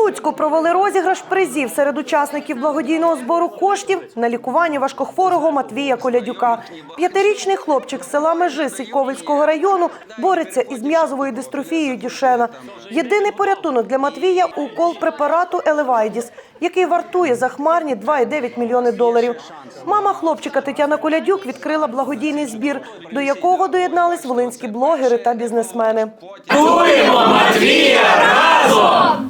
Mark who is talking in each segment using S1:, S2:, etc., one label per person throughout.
S1: Луцьку провели розіграш призів серед учасників благодійного збору коштів на лікування важкохворого Матвія Колядюка. 5-річний хлопчик з села Межи Сідьковицького району бореться із м'язовою дистрофією Дюшена. Єдиний порятунок для Матвія – укол препарату Елевайдіс, який вартує захмарні $2,9 мільйони. Мама хлопчика Тетяна Колядюк відкрила благодійний збір, до якого доєднались волинські блогери та бізнесмени.
S2: Рятуємо Матвія разом!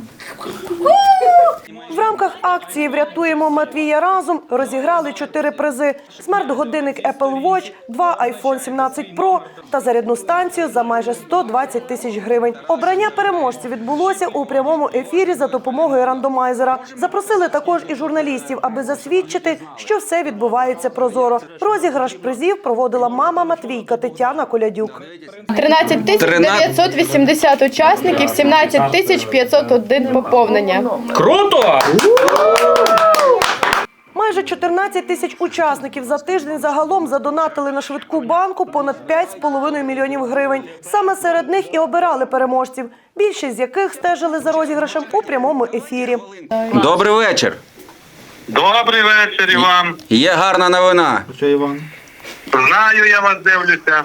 S1: В рамках акції «Врятуємо Матвія разом» розіграли 4 призи – смарт-годинник Apple Watch, 2 iPhone 17 Pro та зарядну станцію за майже 120 тисяч гривень. Обрання переможців відбулося у прямому ефірі за допомогою рандомайзера. Запросили також і журналістів, аби засвідчити, що все відбувається прозоро. Розіграш призів проводила мама Матвійка Тетяна Колядюк.
S3: 13 980 учасників, 17 501 поповнення.
S2: Круто!
S1: Майже 14 тисяч учасників за тиждень загалом задонатили на швидку банку понад 5,5 мільйонів гривень. Саме серед них і обирали переможців, більшість з яких стежили за розіграшем у прямому ефірі.
S4: Добрий вечір.
S5: Добрий вечір, Іван.
S4: Є гарна новина.
S6: Що, Іван?
S5: Знаю, я вас дивлюся.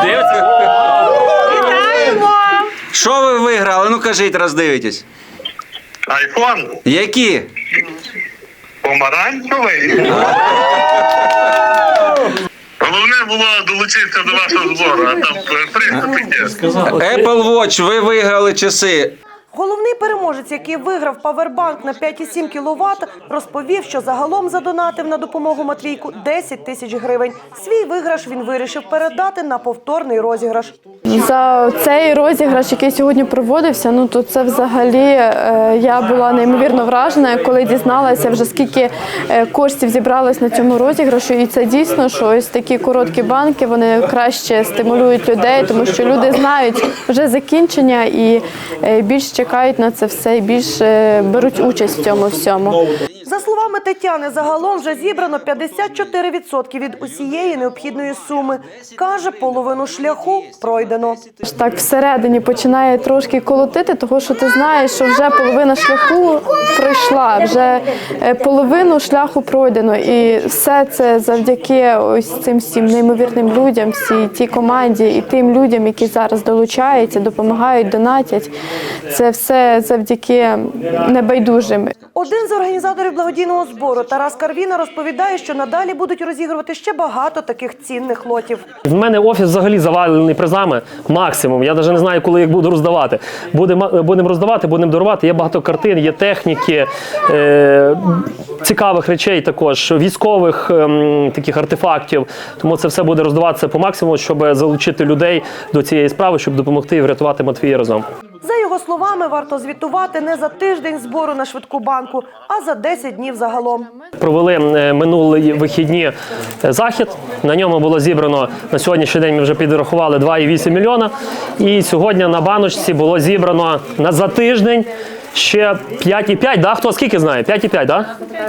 S1: Вітаємо!
S4: Що ви виграли? Ну кажіть, роздивитесь.
S5: Айфон
S4: Які?
S5: помаранчевий. Головне було долучитися до вашого збору, а там приз таке.
S4: Apple Watch, ви виграли часи.
S1: Головний переможець, який виграв павербанк на 5,7 кВт, розповів, що загалом задонатив на допомогу Матвійку 10 тисяч гривень. Свій виграш він вирішив передати на повторний розіграш.
S3: За цей розіграш, який сьогодні проводився, то це взагалі я була неймовірно вражена, коли дізналася вже скільки коштів зібралось на цьому розіграшу. І це дійсно, що ось такі короткі банки, вони краще стимулюють людей, тому що люди знають вже закінчення і більш чекають на це все і більше беруть участь в цьому всьому.
S1: За словами Тетяни, загалом вже зібрано 54% від усієї необхідної суми. Каже, половину шляху пройдено.
S3: Так всередині починає трошки колотити, тому що ти знаєш, що вже половина шляху пройшла, вже половину шляху пройдено. І все це завдяки ось цим всім неймовірним людям, всій тій команді і тим людям, які зараз долучаються, допомагають, донатять. Це все завдяки небайдужим.
S1: Один з організаторів благодійного збору Тарас Карвіна розповідає, що надалі будуть розігрувати ще багато таких цінних лотів.
S7: В мене офіс взагалі завалений призами максимум. Я навіть не знаю, коли їх буду роздавати. Будемо роздавати, будемо дарувати. Є багато картин, є техніки, цікавих речей також, військових таких артефактів. Тому це все буде роздаватися по максимуму, щоб залучити людей до цієї справи, щоб допомогти і врятувати Матвія разом.
S1: За його словами, варто звітувати не за тиждень збору на швидку банку, а за 10 днів загалом.
S7: Провели минулі вихідні захід. На ньому було зібрано, на сьогоднішній день ми вже підрахували 2,8 мільйона. І сьогодні на баночці було зібрано за тиждень ще 5,5, да? Хто скільки знає? 5,5, да?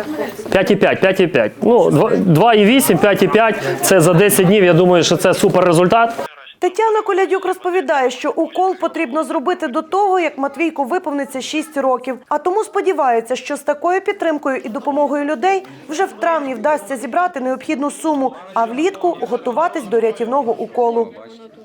S7: 5,5. Ну, 2,8, 5,5 – це за 10 днів, я думаю, що це супер результат.
S1: Тетяна Колядюк розповідає, що укол потрібно зробити до того, як Матвійку виповниться 6 років. А тому сподівається, що з такою підтримкою і допомогою людей вже в травні вдасться зібрати необхідну суму, а влітку готуватись до рятівного уколу.